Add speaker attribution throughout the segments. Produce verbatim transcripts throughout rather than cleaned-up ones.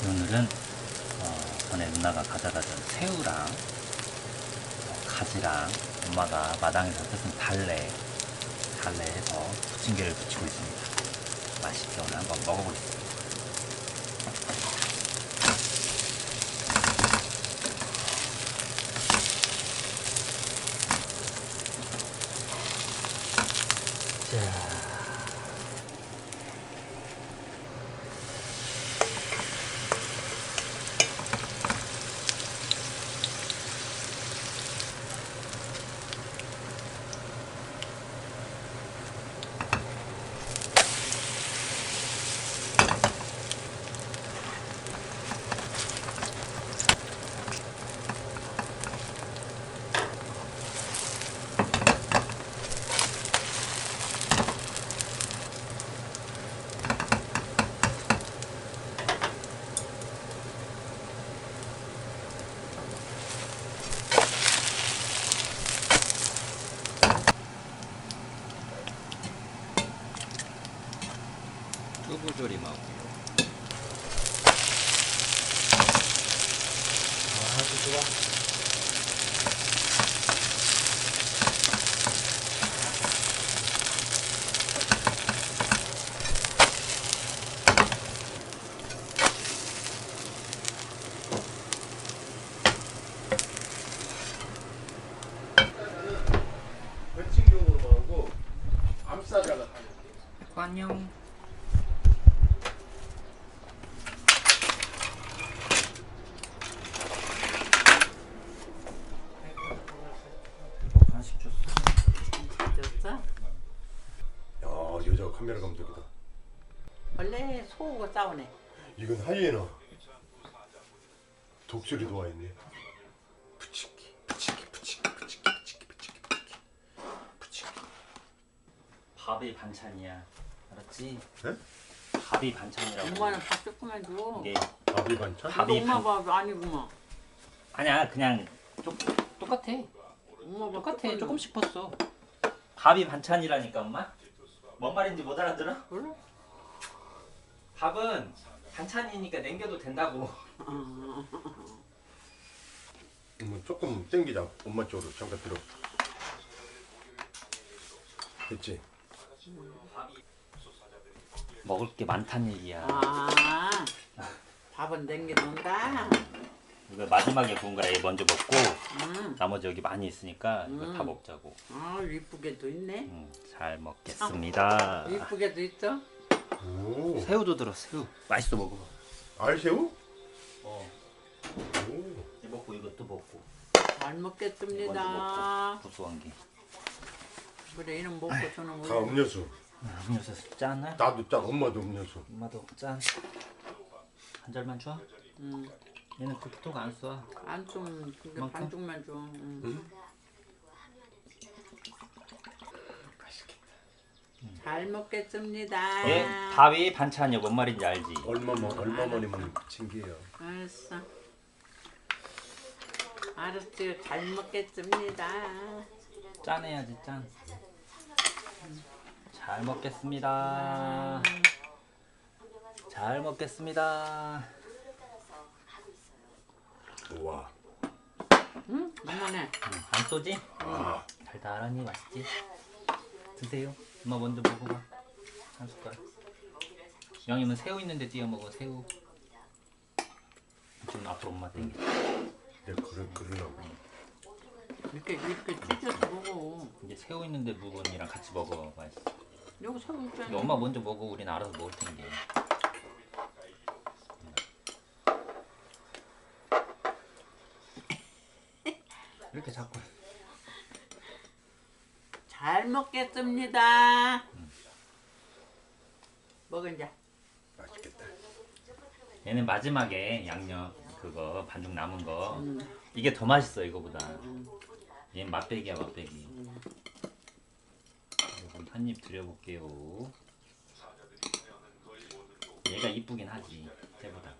Speaker 1: 오늘은 어, 전에 누나가 가져다 준 새우랑 어, 가지랑 엄마가 마당에서 뜯은 달래 달래해서 부침개를 부치고 있습니다. 맛있게 오늘 한번 먹어보겠습니다. 자. 두부조림하고요. 아주 좋아.
Speaker 2: 벌칙용으로 하고 암사자가 하는
Speaker 1: 안녕. 간식 줬어.
Speaker 3: 줬어?
Speaker 2: 야 여자가 카메라 감독이다.
Speaker 3: 원래 소하고 싸우네.
Speaker 2: 이건 하이에나. 독수리도 와 있네. 부치기 부치기 부치기 부치기 부치기 부치기 부치기 부치기.
Speaker 1: 밥이 반찬이야. 알았지?
Speaker 2: 네?
Speaker 1: 밥이 반찬이라고.
Speaker 3: 엄마는 밥 조금만 줘.
Speaker 1: 이게
Speaker 2: 밥이 반찬?
Speaker 1: 밥이
Speaker 3: 엄마
Speaker 1: 반...
Speaker 3: 밥 아니구만.
Speaker 1: 아니야 그냥 조, 똑같아.
Speaker 3: 엄마 밥
Speaker 1: 똑같아.
Speaker 3: 조금만
Speaker 1: 조금씩 었어 밥이 반찬이라니까 엄마. 뭔 말인지 못 알아들어?
Speaker 3: 몰라?
Speaker 1: 밥은 반찬이니까 남겨도 된다고.
Speaker 2: 음, 조금 땡기자. 엄마 쪽으로 잠깐 들어. 됐지?
Speaker 1: 먹을 게 많다는 얘기야.
Speaker 3: 아, 밥은 남겨놓는다.
Speaker 1: 이거 마지막에 구운 거라 얘 먼저 먹고
Speaker 3: 음.
Speaker 1: 나머지 여기 많이 있으니까 이거
Speaker 3: 음.
Speaker 1: 다 먹자고.
Speaker 3: 아, 이쁘게도 있네.
Speaker 1: 음, 잘 먹겠습니다.
Speaker 3: 이쁘게도 있어.
Speaker 2: 오.
Speaker 1: 새우도 들어. 새우 맛있어. 먹어.
Speaker 2: 알새우?
Speaker 1: 어.
Speaker 2: 오.
Speaker 1: 이 먹고 이것도 먹고.
Speaker 3: 잘
Speaker 1: 먼저
Speaker 3: 먹겠습니다.
Speaker 1: 먹고 구수한 게.
Speaker 3: 그래, 이놈 먹고 저놈
Speaker 2: 다
Speaker 3: 먹고.
Speaker 2: 음료수.
Speaker 1: 음료수 짠.
Speaker 2: 나도 짠. 엄마도 음료수.
Speaker 1: 엄마도 짠. 한 잔만 줘.
Speaker 3: 음,
Speaker 1: 얘는 그렇게 안 써.
Speaker 3: 안좀 근데
Speaker 1: 이만큼?
Speaker 3: 반쪽만 줘. 음.
Speaker 2: 응?
Speaker 3: 잘 먹겠습니다.
Speaker 1: 얘 밥이 반찬이야. 뭔 말인지 알지?
Speaker 2: 얼마만 얼마만이면 챙겨요.
Speaker 3: 알았어. 알았어요. 잘 먹겠습니다.
Speaker 1: 짠해야지 짠. 잘 먹겠습니다. 잘 먹겠습니다.
Speaker 2: 우와.
Speaker 3: 응? 만만해.
Speaker 1: 음, 안 쏘지?
Speaker 2: 아.
Speaker 1: 달달하니 맛있지? 드세요. 엄마 먼저 먹어봐. 한 숟갈. 영이면 새우 있는데 띄워 먹어. 새우. 지금 앞으로 엄마 땡겨.
Speaker 2: 내 그래 그러려고.
Speaker 3: 이렇게 이렇게 찢어서 먹어.
Speaker 1: 이제 새우 있는데 부분이랑 같이 먹어. 맛있어.
Speaker 3: 여기 새우 있잖아.
Speaker 1: 근데 엄마 먼저 먹어. 우리는 알아서 먹을 텐데. 이렇게 자꾸.
Speaker 3: 잘 먹겠습니다.
Speaker 1: 음.
Speaker 3: 먹어 이제.
Speaker 2: 맛있겠다.
Speaker 1: 얘는 마지막에 양념 그거 반죽 남은 거.
Speaker 3: 음.
Speaker 1: 이게 더 맛있어 이거보다.
Speaker 3: 음.
Speaker 1: 얘는 맛배기야 맛배기.
Speaker 3: 음.
Speaker 1: 이건 한입 드려볼게요. 얘가 이쁘긴 하지 쟤보다.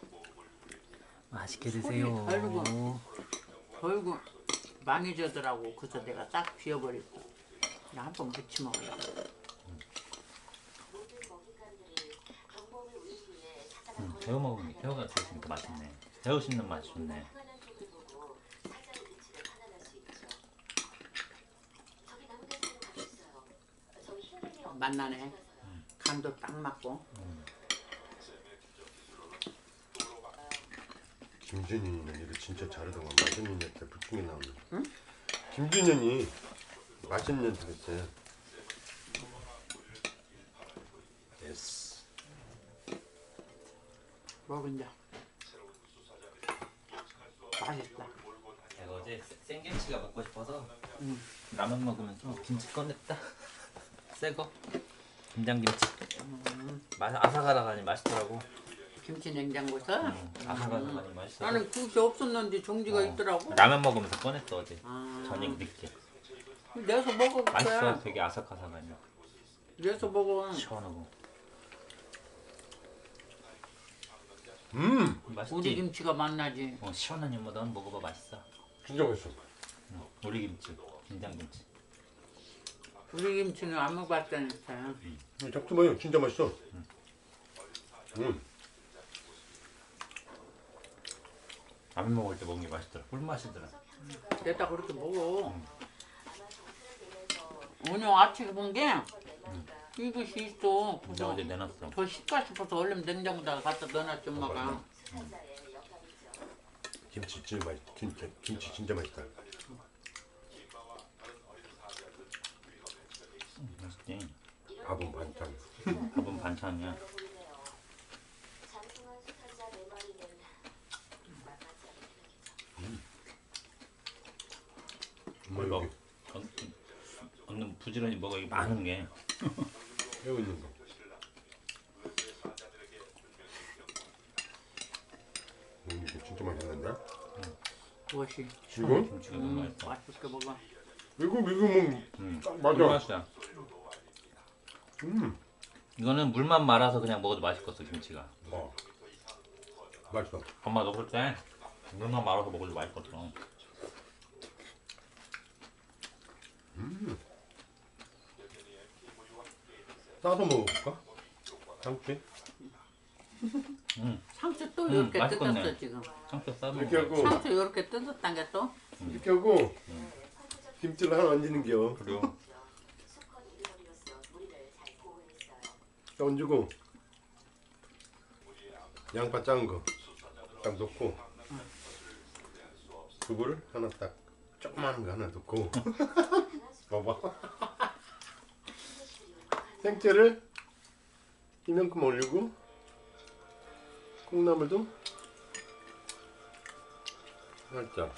Speaker 1: 맛있게 드세요.
Speaker 3: 아이고. 어이구 망해져더라고. 그래서 내가 딱 비워버렸어. 그냥 한 번 무치 먹으려고.
Speaker 1: 음. 새우 먹으면 새우가 들어있으니까 맛있네. 새우 씹는 맛이 좋네.
Speaker 3: 맛나네. 간도 딱 맞고.
Speaker 2: 김준현이는 이거 진짜 잘하더만. 맛있는 년한테 부침개 나오네. 응? 김준현이 맛있는 년한테 그랬어요. 예스.
Speaker 3: 먹은자. 맛있다.
Speaker 1: 내가 어제 생김치가 먹고 싶어서
Speaker 3: 응.
Speaker 1: 라면 먹으면서 김치 꺼냈다. 새거 김장김치.
Speaker 3: 음,
Speaker 1: 맛 아삭아삭하니 맛있더라고.
Speaker 3: 김치 냉장고에서.
Speaker 1: 음, 아삭아삭하니 맛있어.
Speaker 3: 나는 그릇이 없었는데 종지가
Speaker 1: 어,
Speaker 3: 있더라고.
Speaker 1: 라면 먹으면서 꺼냈어 어제.
Speaker 3: 아,
Speaker 1: 저녁 늦게.
Speaker 3: 내서 먹어.
Speaker 1: 맛있어. 되게 아삭아삭하니
Speaker 3: 내서 먹어.
Speaker 1: 시원하고.
Speaker 2: 음,
Speaker 1: 맛있지.
Speaker 3: 우리 김치가 맛나지.
Speaker 1: 어, 시원하니 뭐 넌 먹어봐 맛있어.
Speaker 2: 진짜 맛있어.
Speaker 1: 응. 우리 김치, 김장김치.
Speaker 3: 우리 김치는 안 먹어봤다니까.
Speaker 2: 음, 잡숴 봐요. 진짜 맛있어. 음.
Speaker 1: 라면 먹을 때 먹는 게 맛있더라. 꿀맛이더라.
Speaker 3: 내다 그렇게 먹어. 오늘 아침에 본 게 이것이 있어.
Speaker 1: 근데
Speaker 3: 그래서
Speaker 1: 어제 내놨어.
Speaker 3: 더 식까 싶어서 얼른 냉장고다가 갖다 넣어놨지 엄마가.
Speaker 2: 김치 진짜 맛있. 진짜 김치 진짜 맛있다.
Speaker 1: 음, 맛있지.
Speaker 2: 밥은 반찬.
Speaker 1: 밥은 반찬이야.
Speaker 2: 엄마
Speaker 1: 먹.
Speaker 2: 여기
Speaker 1: 언는 부지런히 먹어. 이게 많은 게.
Speaker 2: 새우 있는 거. 음, 이거 진짜 맛있는데?
Speaker 3: 무엇이?
Speaker 2: 이거?
Speaker 1: 김치가 너무
Speaker 3: 음,
Speaker 1: 맛있어.
Speaker 3: 맛있게 먹어.
Speaker 2: 이거 이거 뭐
Speaker 1: 음,
Speaker 2: 딱 맞아.
Speaker 1: 꿀맛이야.
Speaker 2: 음,
Speaker 1: 이거는 물만 말아서 그냥 먹어도 맛있겠어 김치가.
Speaker 2: 어, 맛있어.
Speaker 1: 엄마 넣을 때 물만 말아서 먹어도 맛있겠어.
Speaker 2: 싸서 먹어볼까? 참치?
Speaker 1: 음,
Speaker 3: 상추 또
Speaker 1: 음,
Speaker 3: 이렇게
Speaker 1: 맛있겠네.
Speaker 3: 뜯었어 지금.
Speaker 1: 상추 싸먹어.
Speaker 2: 이렇게 하고
Speaker 3: 상추 이렇게 뜯었단 게 또.
Speaker 2: 이렇게 하고 김치를 하나 얹는겨.
Speaker 1: 그래요.
Speaker 2: 얹고 양파 작은 거 딱 넣고 두부를 하나 딱 조그마한 거 하나 넣고 봐봐. 생채를 이만큼 올리고 콩나물도 살짝.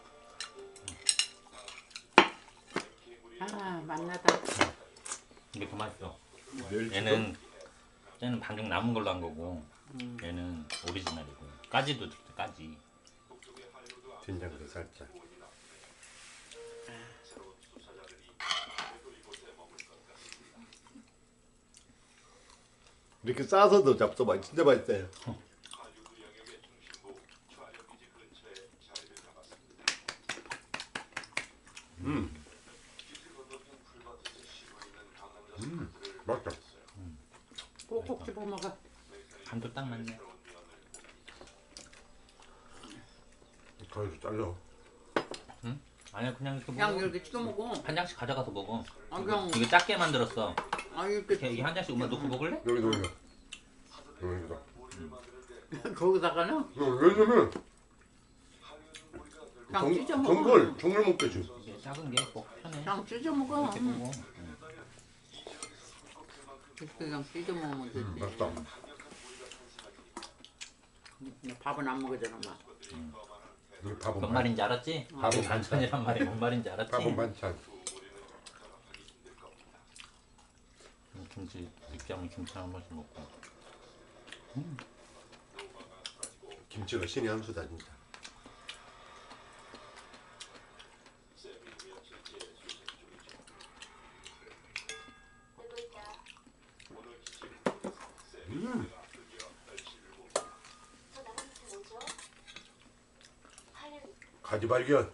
Speaker 3: 아 맛나다.
Speaker 1: 이게 더 맛있어.
Speaker 2: 멸치도
Speaker 1: 얘는 얘는 방금 남은 걸로 한 거고
Speaker 3: 음.
Speaker 1: 얘는 오리지널이고 까지도 들었어. 까지.
Speaker 2: 된장도 살짝. 이렇게 싸서도 잡숴봐. 진짜 맛있어요. 음. 음, 맛있다.
Speaker 3: 꼭꼭 집어 먹어.
Speaker 1: 간도 딱 맞네.
Speaker 2: 가위로 잘라.
Speaker 1: 아니야 그냥 이렇게
Speaker 3: 그냥
Speaker 1: 먹어.
Speaker 3: 이렇게 찍어 먹어.
Speaker 1: 한 장씩 가져가서 먹어.
Speaker 3: 아 그냥
Speaker 1: 이거 작게 만들었어.
Speaker 3: 아
Speaker 1: 이렇게
Speaker 3: 이렇게
Speaker 1: 이게 한 장씩 엄마 놓고 먹을래?
Speaker 2: 여기다 올려. 여기다.
Speaker 3: 거기다가는
Speaker 2: 왜냐면
Speaker 3: 그냥 찢어 먹어.
Speaker 2: 전골 전골 먹겠지.
Speaker 1: 이게 작은 게 꼭 편해.
Speaker 3: 그냥 찢어 먹어.
Speaker 1: 이렇게 먹어.
Speaker 3: 이렇게 그냥 찢어 먹으면 되지.
Speaker 2: 음, 맛있다.
Speaker 3: 근데 밥은 안 먹으잖아 막.
Speaker 2: 이게 밥은
Speaker 1: 뭔
Speaker 2: 반,
Speaker 1: 말인지 알았지?
Speaker 2: 밥은
Speaker 1: 반찬이란 말이 뭔 말인지 알았지?
Speaker 2: 밥은 반찬.
Speaker 1: 김치 느끼하면 김치 한 번씩 먹고.
Speaker 2: 김치가 신의 한 수다 진짜. 음. 가지 발견.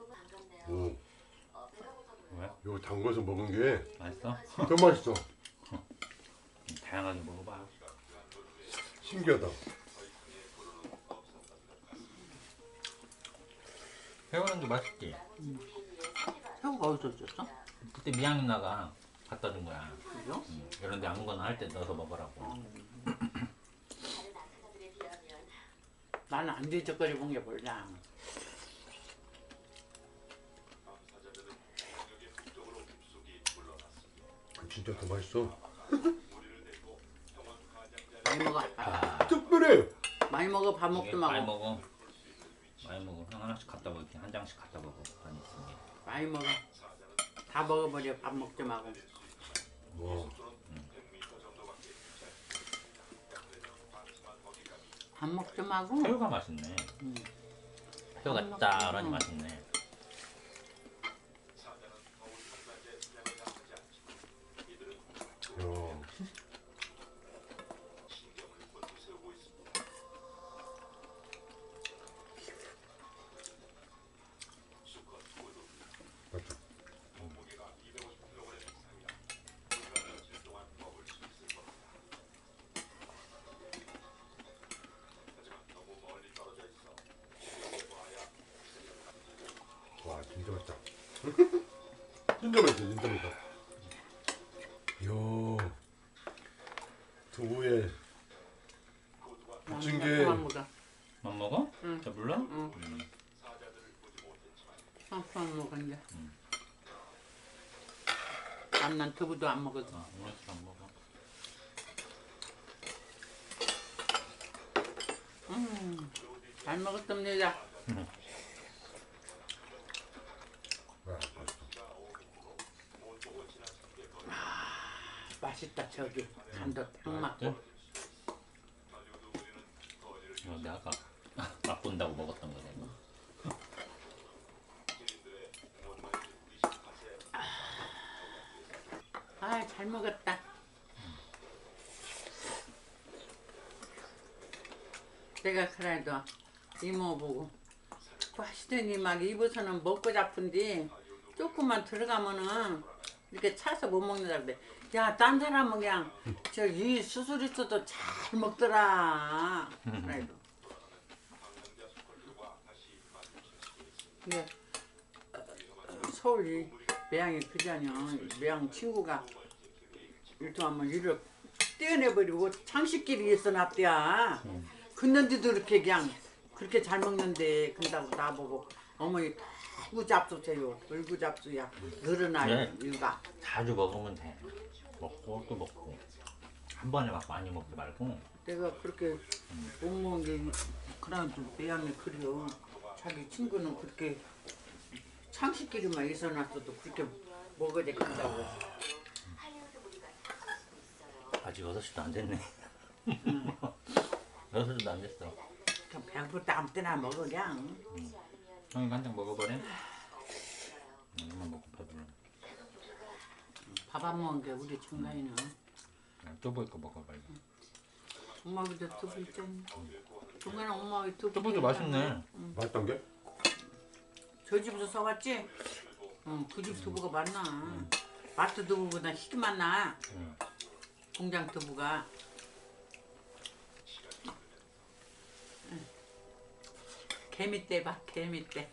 Speaker 2: 오,
Speaker 1: 왜?
Speaker 2: 이거 담궈서 먹은 게
Speaker 1: 맛있어?
Speaker 2: 더 맛있어.
Speaker 1: 다양하게 먹어봐.
Speaker 2: 신기하다.
Speaker 1: 새우랑도 맛있지.
Speaker 3: 새우가 어디서 줬어?
Speaker 1: 그때 미양 누나가 갖다 준 거야.
Speaker 3: 그죠?
Speaker 1: 응. 이런데 아무거나 할 때 넣어서 먹으라고.
Speaker 3: 나는 안 뒤적거리 본 게 몰라.
Speaker 2: 진짜 더 맛있어.
Speaker 3: 많이 먹어.
Speaker 1: 아,
Speaker 2: 특별해.
Speaker 3: 많이 먹어. 밥 먹지
Speaker 1: 이게 많이
Speaker 3: 말고.
Speaker 1: 먹어. 많이 먹어. 한 하나씩 갖다 먹어. 이렇게 한 장씩 갖다 먹어. 많이 있으니.
Speaker 3: 많이 먹어. 다 먹어버려. 밥 먹지 말고.
Speaker 2: 와.
Speaker 3: 밥 먹지 말고.
Speaker 1: 새우가 맛있네.
Speaker 3: 음.
Speaker 1: 새우가 짭짤하니 맛있네.
Speaker 2: 야. 맞죠? 와 진짜 맛있다. 진짜 맛있어 진짜 맛있다. 이야 두부에 부친 게
Speaker 3: 그만 먹어.
Speaker 1: 만 먹어?
Speaker 3: 응.
Speaker 1: 자 물러?
Speaker 3: 응.
Speaker 1: 음.
Speaker 3: 그만 먹어 이제. 난난 두부도 안 먹어서.
Speaker 1: 아, 오늘 안 먹어.
Speaker 3: 음. 잘 먹었습니다.
Speaker 2: 와, 맛있다.
Speaker 3: 맛있다 저기. 간도 딱 맞고.
Speaker 1: 네? 이거 내가 아까 맛본다고 먹었던 거네. 이거.
Speaker 3: 아, 잘 먹었다. 내가 그래도 이모 보고 자꾸 하시더니 막 입어서는 먹고 잡은데 조금만 들어가면은 이렇게 차서 못 먹는다 그래. 야, 딴 사람은 그냥 저 이 수술 있어도 잘 먹더라. 그래도. 근데 어, 서울 이 매양이 그자냐. 매양 친구가 일통하면 이를 떼어내버리고 창식길이 있어 놨대야. 근데도 이렇게 그냥 그렇게 잘 먹는데 근다고 나보고 어머니 얼구 잡수세요. 얼구 잡수야. 늘어나요.
Speaker 1: 네.
Speaker 3: 일가.
Speaker 1: 자주 먹으면 돼. 먹고 또 먹고. 한 번에 막 많이 먹지 말고.
Speaker 3: 내가 그렇게 못 먹은 게 그래도 매양이 그래요. 자기 친구는 그렇게 창식길이만 있어 놨어도 그렇게 먹어야 된다고.
Speaker 1: 아직 여섯 시도 안 됐네. 여섯 시도 안 됐어.
Speaker 3: 그냥 배고플 때 아무 때나 먹어 그냥.
Speaker 1: 형이 한 장 먹어버려? 이만 먹고 배불러.
Speaker 3: 밥 안 먹은 게 우리 청가이는
Speaker 1: 뚜부이 거 먹어 빨리.
Speaker 3: 엄마보다 두부 있잖아. 중간에 엄마가 두부.
Speaker 1: 뚜부도 맛있네.
Speaker 2: 맛있던 게?
Speaker 3: 저 집에서 사왔지? 응, 그 집 두부가 맛나. 마트 두부보다 희게 맛나.
Speaker 1: 응.
Speaker 3: 공장 두부가. 응. 개미떼 봐, 개미떼.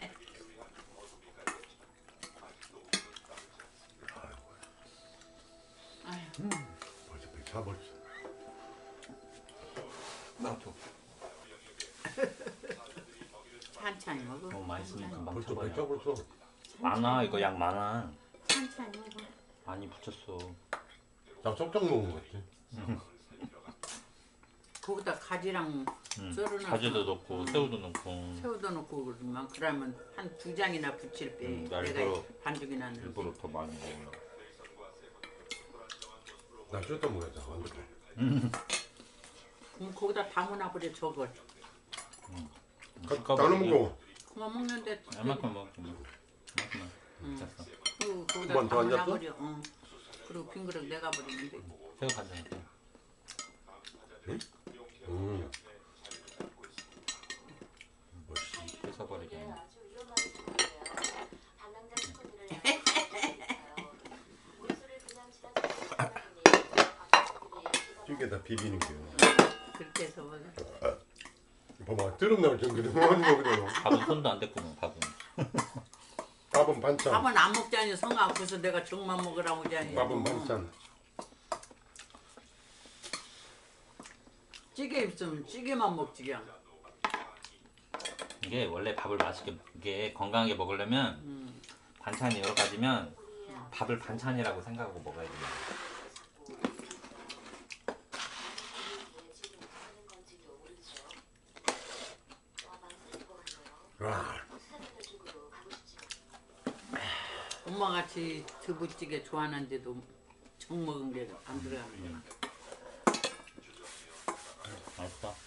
Speaker 3: 아휴,
Speaker 2: 벌써 배 차버렸어.
Speaker 1: 나도.
Speaker 3: 천천히 먹어.
Speaker 1: 너무 맛있으면 금방
Speaker 2: 벌써 배
Speaker 1: 쳐버려.
Speaker 2: 차버렸어.
Speaker 1: 많아 이거 양 많아.
Speaker 3: 천천히 먹어.
Speaker 1: 많이 붙였어.
Speaker 2: 나 쩍쩍 먹은 거 같지?
Speaker 3: 거기다 가지랑
Speaker 1: 응.
Speaker 3: 썰어놔서
Speaker 1: 가지도 넣고 새우도 넣고.
Speaker 3: 새우도 넣고 그러면 그러면 한 두 장이나 붙일 때
Speaker 1: 음, 나
Speaker 3: 내가
Speaker 1: 일부러-
Speaker 3: 반죽이나 넣을
Speaker 1: 일부러 더 많이 먹으려.
Speaker 2: 나 쪘다 먹었다 완전.
Speaker 3: 그럼 거기다 담으나 버려 저걸.
Speaker 2: 가, 나눠 먹어.
Speaker 3: 그만 먹는데
Speaker 1: 얼마큼 먹을게. 얼마큼만. 됐어.
Speaker 3: 그 거기다
Speaker 2: 한번더
Speaker 3: 담으나
Speaker 2: 앉았어?
Speaker 3: 버려. 응. 그리고 빈 그릇 내가 버리면 돼.
Speaker 1: 새우 간장.
Speaker 2: 음.
Speaker 1: 뺏어버리게.
Speaker 2: 찌개다 비비는 게.
Speaker 3: 그렇게 해서 먹어.
Speaker 2: 봐봐 드럼 나올 정도로 많이 먹으려고.
Speaker 1: 밥은 손도 안 댔구만 밥은.
Speaker 2: 밥은 반찬.
Speaker 3: 밥은 안 먹자니 성 아파서 내가 정만 먹으라고 하자니.
Speaker 2: 밥은 반찬.
Speaker 3: 찌개 있으면 찌개만 먹지 그냥.
Speaker 1: 이게 원래 밥을 맛있게 이게 건강하게 먹으려면
Speaker 3: 음.
Speaker 1: 반찬이 여러 가지면 밥을 반찬이라고 생각하고 먹어야 돼요.
Speaker 2: 와.
Speaker 3: 엄마같이 두부찌개 좋아하는데도 정 먹은 게 안 들어가는구나.
Speaker 1: 맛있어.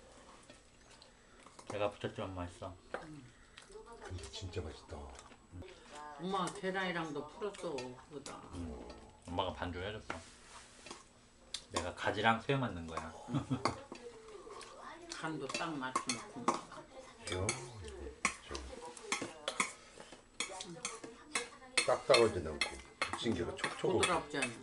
Speaker 1: 내가 붙였지만 맛있어.
Speaker 2: 근데 진짜 맛있다.
Speaker 3: 엄마가 계란이랑도 풀었어 그거다.
Speaker 1: 엄마가 반죽 해줬어. 내가 가지랑 새우 만든 거야.
Speaker 3: 간도 딱 맞춰놓고.
Speaker 2: 저, 저. 딱딱하지 않고 부침개가 촉촉하고
Speaker 3: 부드럽지 않아.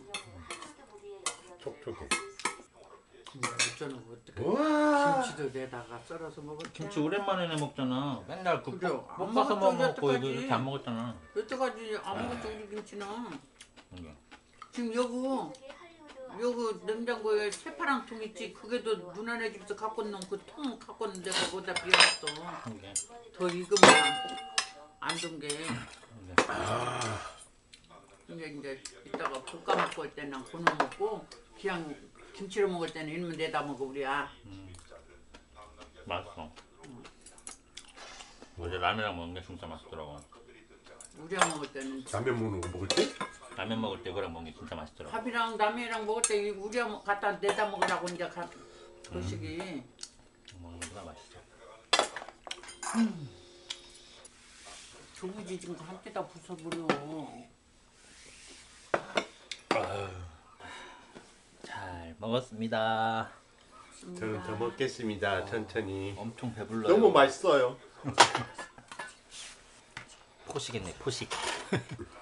Speaker 2: 촉촉해.
Speaker 3: 어쩌는 어떻게
Speaker 2: 우와.
Speaker 3: 김치도 내다가 썰어서 먹었지.
Speaker 1: 김치 오랜만에 먹잖아. 맨날 그
Speaker 3: 그죠?
Speaker 1: 볶-
Speaker 3: 안
Speaker 1: 볶아서
Speaker 3: 먹었죠,
Speaker 1: 먹고 이거
Speaker 3: 여태까지.
Speaker 1: 이렇게 안 먹었잖아.
Speaker 3: 여태까지 안 먹었지 우리 김치는.
Speaker 1: 이게.
Speaker 3: 지금 여기 여기 냉장고에 새파란 통 있지. 그게도 누나네 집에서 갖고 놓은 그 통 갖고 있는 데가 거기다 비워놨어.
Speaker 1: 이게.
Speaker 3: 더 익으면 안 둔 게.
Speaker 1: 이게.
Speaker 3: 이제 이제 이따가 볶아 먹고 할 때는 그놈 먹고 그냥 김치로 먹을 때는 이놈 내다 먹어 우리야.
Speaker 1: 맛있어. 어제 라면이랑 먹는 게 진짜 맛있더라고.
Speaker 3: 우리랑 먹을 때는
Speaker 2: 라면 먹는 거 먹을 때?
Speaker 1: 라면 먹을 때 그랑 먹는 게 진짜 맛있더라고.
Speaker 3: 밥이랑 라면이랑 먹을 때 우리랑 갖다 내다 먹으라고 이제 가, 거시기.
Speaker 1: 먹는 거보다 맛있어.
Speaker 3: 두부지 지금 한때다 부숴버려.
Speaker 1: 잘 먹었습니다.
Speaker 2: 저는 더 먹겠습니다. 천천히.
Speaker 1: 엄청 배불러요.
Speaker 2: 너무 맛있어요.
Speaker 1: 포식했네 포식.